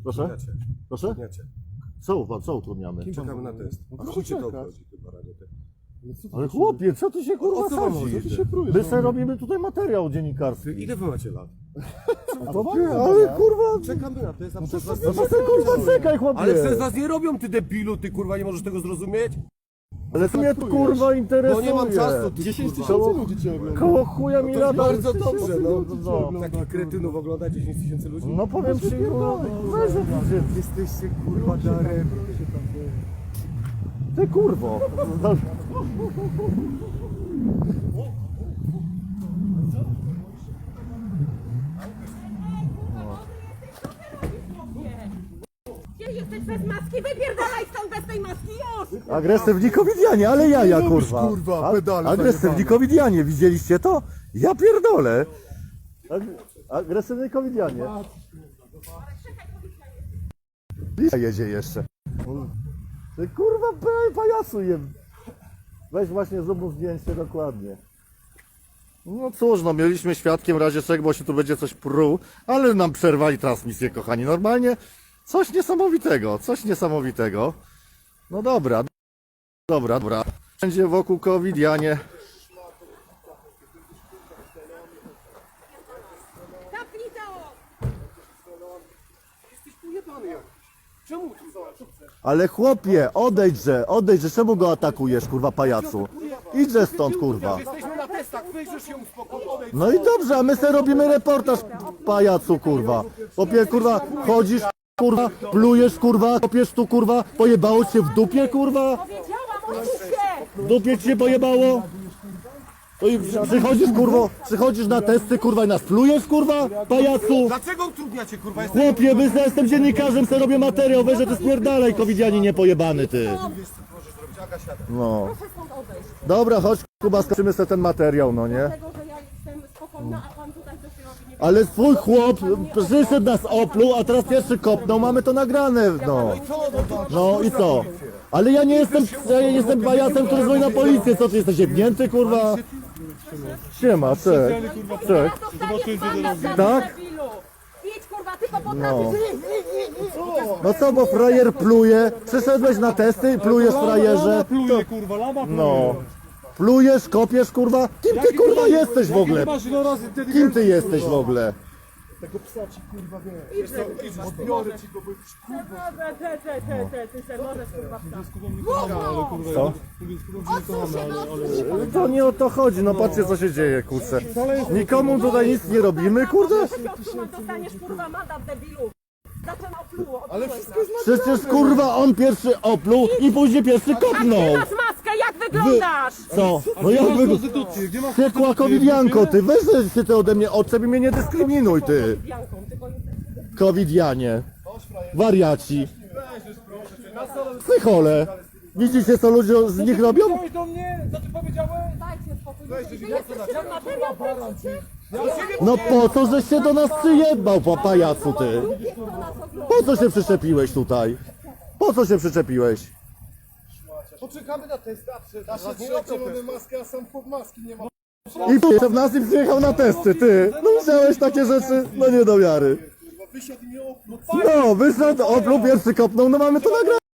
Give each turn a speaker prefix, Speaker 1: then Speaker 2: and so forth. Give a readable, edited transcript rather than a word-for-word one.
Speaker 1: Proszę? Proszę?
Speaker 2: Utrudniacie.
Speaker 1: Co utrudniamy?
Speaker 2: Czekamy na test. A chuj cię to obchodzi, ty baradzie.
Speaker 1: Ale chłopie, co ty się kurwa
Speaker 2: O co wam
Speaker 1: sadzisz?
Speaker 2: chodzi? Co ty się prujesz?
Speaker 1: My sobie robimy tutaj materiał dziennikarski.
Speaker 2: Ile wy macie lat?
Speaker 1: Ale kurwa...
Speaker 2: Czekamy na test, a przez was...
Speaker 1: No to ty kurwa czekaj chłopie!
Speaker 2: Ale przez was nie robią, ty debilu, ty kurwa, nie możesz tego zrozumieć?
Speaker 1: Ale to mnie kurwa interesuje!
Speaker 2: No nie mam czasu, ty
Speaker 3: 10
Speaker 2: kurwa.
Speaker 3: tysięcy ludzi cię ogląda.
Speaker 1: Koło chuja mi
Speaker 2: To jest
Speaker 1: lata.
Speaker 2: bardzo dobrze, no.
Speaker 1: No.
Speaker 2: Takich kretynów ogląda 10 tysięcy ludzi?
Speaker 1: No powiem ci, no, weź że
Speaker 2: Jesteście kurwa darem.
Speaker 1: ty kurwo.
Speaker 4: Gdzie jesteś bez maski? Wypierdalaj stąd bez tej maski, już!
Speaker 1: Agresywni covidianie, ale jaja kurwa.
Speaker 3: kurwa, pedale
Speaker 1: Agresywni covidianie, widzieliście to? Ja pierdolę. Agresywni covidianie. Jedzie jeszcze. Ty kurwa pajacu je. Weź właśnie zrób mu zdjęcie dokładnie. No cóż, no mieliśmy świadkiem razie czego, bo się tu będzie coś pruł, ale nam przerwali transmisję, kochani. Normalnie coś niesamowitego, coś niesamowitego. No dobra, dobra. Będzie wokół covidianie.
Speaker 4: Zapnij to!
Speaker 2: Czemu tu?
Speaker 1: Ale chłopie, odejdźże, czemu go atakujesz, kurwa pajacu? Idźże stąd, kurwa.
Speaker 2: Jesteśmy na testach, wyjrzysz się uspokój, odejdź.
Speaker 1: No i dobrze, a my sobie robimy reportaż, pajacu, kurwa. Chłopie, kurwa, chodzisz, kurwa, plujesz, kurwa, kopiesz tu, kurwa, pojebało cię w dupie, kurwa?
Speaker 4: Powiedziałam, odsuń się!
Speaker 1: W dupie ci się pojebało? To i przychodzisz na testy, kurwa, i nas plujesz, kurwa, pajacu?
Speaker 2: Dlaczego utrudniacie, kurwa?
Speaker 1: Chłopie, ja jestem dziennikarzem, sobie robię materiał, weź, że ty spierdalaj, covidianie niepojebany, ty. No.
Speaker 4: Proszę stąd odejść.
Speaker 1: Dobra, chodź, Kuba, skończymy sobie ten materiał, no nie?
Speaker 4: Dlatego, że ja jestem spokojna, a pan tutaj dopiero nie...
Speaker 1: Ale swój chłop przyszedł nas opluł, a teraz pierwszy kopnął, mamy to nagrane, no. No i co? Ale ja nie jestem pajacem, który dzwoni na policję, co ty jesteś jebnięty, kurwa? Siema, cześć. Cześć.
Speaker 4: Dostaniesz mandat za
Speaker 1: Tak?
Speaker 4: debilu! Idź kurwa, tylko
Speaker 1: No.
Speaker 4: potrafisz...
Speaker 1: No co, bo frajer pluje, przyszedłeś na testy i plujesz, frajerze.
Speaker 3: Pluje, kurwa, lama pluje.
Speaker 1: No. Plujesz, kopiesz, kurwa? Kim ty, kurwa, jesteś w ogóle?
Speaker 3: Masz iloraz
Speaker 1: Kim
Speaker 3: inteligencji.
Speaker 1: ty jesteś w ogóle?
Speaker 3: Tego psa ci, kurwa, wiesz. Odbiorę ci go, bo jesteś, kurwa.
Speaker 4: Ty se możesz kurwa wstać.
Speaker 3: Ale kurwa,
Speaker 1: Co? To nie o to chodzi, no patrzcie co się dzieje, kurczę. Nikomu tutaj nic nie robimy, kurde?
Speaker 4: Dostaniesz kurwa mandat debilu! Zaczynał opluło,
Speaker 3: Ale wszystko jest
Speaker 1: Przecież kurwa on pierwszy opluł i później pierwszy kopnął.
Speaker 4: Ty masz maskę, jak wyglądasz?
Speaker 1: Co? No jak wy...
Speaker 3: konstytucję. Gdzie masz
Speaker 1: Piekła covidianko, ty weź się ty ode mnie odczep i mnie nie dyskryminuj, ty.
Speaker 4: Janką, tylko
Speaker 1: Covidianie. Wariaci. Psychole. Widzicie co ludzie z nich robią?
Speaker 3: powiedziałeś do mnie? Co ty powiedziałeś?
Speaker 4: dajcie spokój. Wy jesteście na materiał, kręcicie?
Speaker 1: No po co żeś się do nas przyjebał, pajacu, ty?
Speaker 4: Kto nas ogląda?
Speaker 1: Po co się przyczepiłeś tutaj? Po co się przyczepiłeś?
Speaker 3: Poczekamy na test, nasze trzecie mamy maskę, a sam chłop maski nie ma.
Speaker 1: I jeszcze w nas i przyjechał na testy, ty. No widziałeś takie rzeczy? No nie do wiary.
Speaker 3: Wysiadł i mnie opluł.
Speaker 1: No, wyszedł, opluł, pierwszy kopnął, no mamy to nagrane.